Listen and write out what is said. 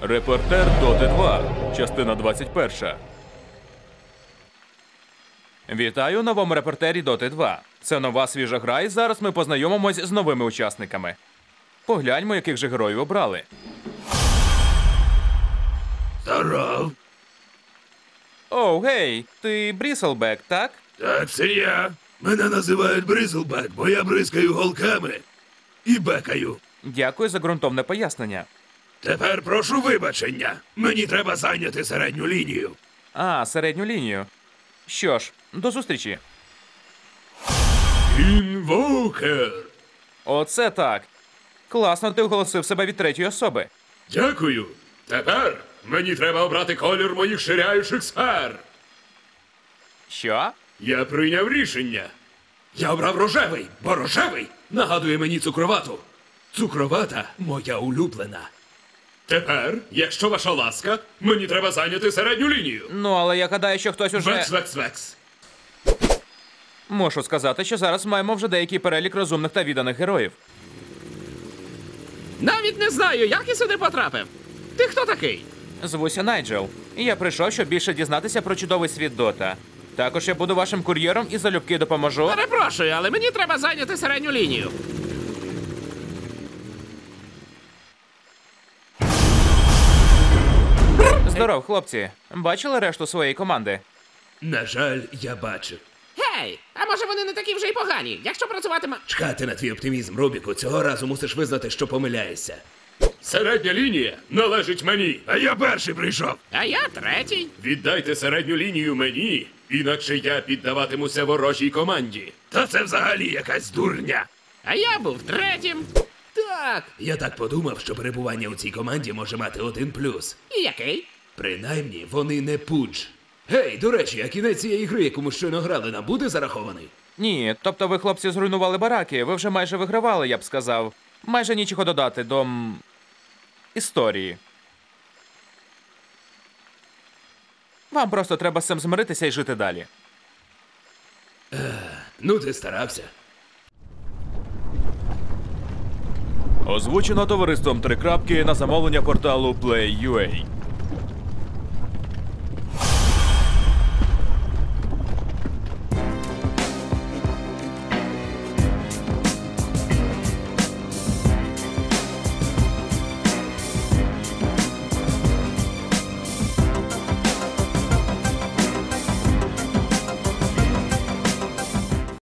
Репортер Доти 2, частина 21. Вітаю у новому репортері Доти 2. Це нова свіжа гра, і зараз ми познайомимось з новими учасниками. Погляньмо, яких же героїв обрали. Здоров. Оу, гей, ти Бріселбек, так? Так, це я. Мене називають Бризлбек, бо я бризкаю голками і бекаю. Дякую за ґрунтовне пояснення. Тепер прошу вибачення. Мені треба зайняти середню лінію. А, середню лінію. Що ж, до зустрічі. Інвокер. Оце так. Класно ти оголосив себе від третьої особи. Дякую. Тепер мені треба обрати колір моїх ширяючих сфер. Що? Я прийняв рішення. Я обрав рожевий, бо рожевий нагадує мені цукровату. Цукровата моя улюблена. Тепер, якщо ваша ласка, мені треба зайняти середню лінію. Ну, але я гадаю, що хтось уже... Векс. Мушу сказати, що зараз маємо вже деякий перелік розумних та відданих героїв. Навіть не знаю, як я сюди потрапив. Ти хто такий? Звуся Найджел. І я прийшов, щоб більше дізнатися про чудовий світ Дота. Також я буду вашим кур'єром і залюбки допоможу. Перепрошую, але мені треба зайняти середню лінію. Здоров, хлопці. Бачили решту своєї команди? На жаль, я бачу. Гей, а може вони не такі вже й погані, якщо працюватиме... Чекати на твій оптимізм, Рубіку. Цього разу мусиш визнати, що помиляєшся. Середня лінія належить мені. А я перший прийшов. А я третій. Віддайте середню лінію мені, інакше я піддаватимуся ворожій команді. Та це взагалі якась дурня. А я був третім. Так. Я так подумав, що перебування у цій команді може мати один плюс. І який? Принаймні, вони не пудж. Гей, до речі, а кінець цієї гри, яку ми щойно грали, нам буде зарахований? Ні, тобто ви, хлопці, зруйнували бараки, ви вже майже вигравали, я б сказав. Майже нічого додати до... історії. Вам просто треба з цим змиритися і жити далі. Ну, ти старався. Озвучено товариством «Три крапки» на замовлення порталу Play.ua.